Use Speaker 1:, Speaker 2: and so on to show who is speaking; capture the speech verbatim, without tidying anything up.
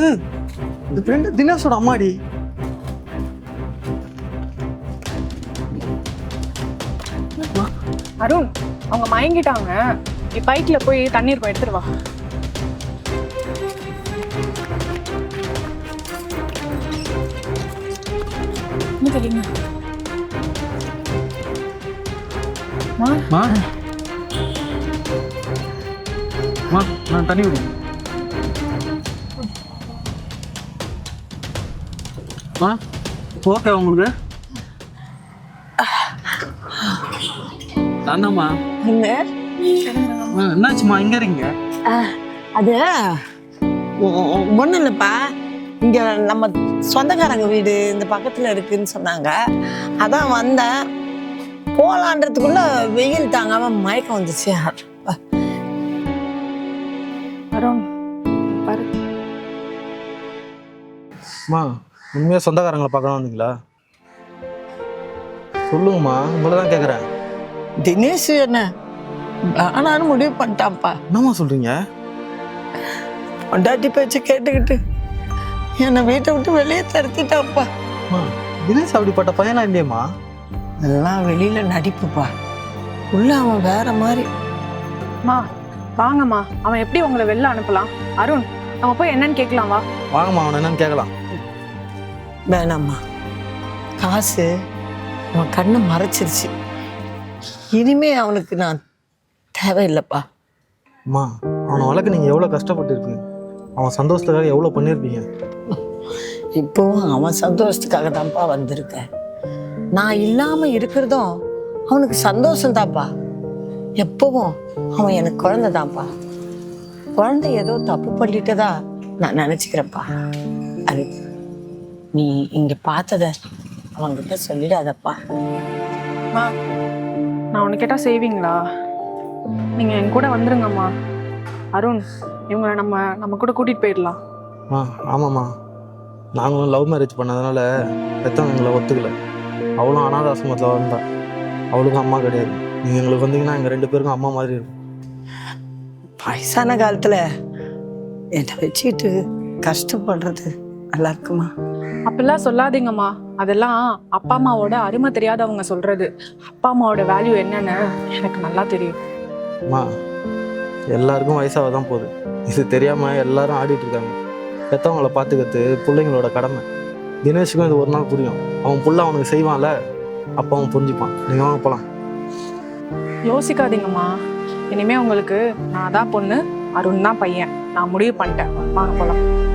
Speaker 1: இந்த ஃப்ரெண்டு தினேஷோட அம்மாடி.
Speaker 2: அருண், அவங்க மயங்கிட்டாங்க. நீ பைக்ல போய் தண்ணீர் போய் எடுத்துட்டு வா. என்ன தெரியுங்க
Speaker 1: மா மா நான் தண்ணி விடு. மா ஓகே உங்களுக்கு தானம்மா என்னாச்சுமா இங்க இருக்கீங்க?
Speaker 3: அது ஒன்றும் இல்லைப்பா, இங்கே நம்ம சொந்தக்காரங்க வீடு இந்த பக்கத்தில் இருக்குன்னு சொன்னாங்க. அதான் வந்தேன். போகலான்றதுக்குள்ள வெயில் தாங்காம மயக்கம் வந்துச்சு.
Speaker 2: அருண் பாரு.
Speaker 1: அம்மா உண்மையாக சொந்தக்காரங்களை பார்க்கணும் வந்தீங்களா? சொல்லுங்கம்மா, உங்களை தான் கேட்குறேன்.
Speaker 3: தினேஷ் என்ன ஆனாலும் முடிவு பண்ணிட்டான்ப்பா.
Speaker 1: என்னம்மா சொல்கிறீங்க?
Speaker 3: பொண்டாட்டி பேச்சு கேட்டுக்கிட்டு என்னை வீட்டை விட்டு வெளியே தடுத்திட்டான்ப்பா.
Speaker 1: அம்மா தினேஷ் அப்படிப்பட்ட பையனா இல்லையம்மா?
Speaker 3: எல்லாம் வெளியில நடிப்புப்பா, உள்ள அவன் வேற மாதிரி.
Speaker 2: மா வாங்கம்மா, அவன் எப்படி உங்களை வெளில அனுப்பலாம்? அருண், நம்ம போய் என்னன்னு கேட்கலாம் வா.
Speaker 1: வாங்கம்மா, அவனை என்னன்னு கேட்கலாம்.
Speaker 3: வேணாம்மா, காசு அவன் கண்ணை மறைச்சிருச்சு. இனிமே அவனுக்கு நான் தேவையில்லைப்பா.
Speaker 1: அம்மா அவனை வளர்க்க நீங்கள் எவ்வளோ கஷ்டப்பட்டுருப்பீங்க, அவன் சந்தோஷத்துக்காக எவ்வளோ பண்ணியிருப்பீங்க.
Speaker 3: இப்போவும் அவன் சந்தோஷத்துக்காக தான்ப்பா வந்திருக்கேன். நான் இல்லாமல் இருக்கிறதும் அவனுக்கு சந்தோஷம் தான்ப்பா. எப்பவும் அவன் எனக்கு குழந்தை தான்ப்பா. குழந்தை ஏதோ தப்பு பண்ணிட்டதா நான் நினச்சிக்கிறேன்ப்பா. அது நீ இங்கே பார்த்தத அவன்கிட்ட சொல்லிடாதப்பா.
Speaker 2: மா, நான் உனக்கு கேட்டால் செய்வீங்களா? நீங்கள் என் கூட வந்துருங்கம்மா. அருண், இவங்களை நம்ம நம்ம கூட கூட்டிகிட்டு போயிடலாம்.
Speaker 1: ஆ ஆமாம்மா, நாங்களும் லவ் மேரேஜ் பண்ணதுனால பெற்றவங்க எங்களை ஒத்துக்கலை. அவளும் அனாதாசிரமத்தில் வந்தா, அவளுக்கும் அம்மா கிடையாது. நீங்கள் எங்களுக்கு வந்தீங்கன்னா எங்கள் ரெண்டு பேருக்கும் அம்மா மாதிரி இருக்கும்.
Speaker 3: வயசான காலத்தில் என்னை வச்சுக்கிட்டு கஷ்டப்படுறது நல்லா இருக்குமா?
Speaker 2: அப்படிலாம் சொல்லாதீங்கம்மா. அதெல்லாம் அப்பா அம்மாவோட அருமை தெரியாதவங்க சொல்றது. அப்பா அம்மாவோட வேல்யூ என்னன்னு எனக்கு நல்லா தெரியும்.
Speaker 1: அம்மா எல்லாருக்கும் வயசாக தான் போகுது, இது தெரியாமல் எல்லாரும் ஆடிட்டு இருக்காங்க. பெற்றவங்களை பார்த்துக்கிறது பிள்ளைங்களோட கடமை. தினேஷுக்கும் இது ஒரு நாள் புரியும். அவன் புள்ள அவனுக்கு செய்வான்ல, அப்போ அவன் புரிஞ்சுப்பான். நீங்கள் வாங்க போகலாம்.
Speaker 2: யோசிக்காதீங்கம்மா. இனிமே உங்களுக்கு நான் தான் பொண்ணு, அருண் தான் பையன். நான் முடிவு பண்ணிட்டேன். வாங்க போகலாம்.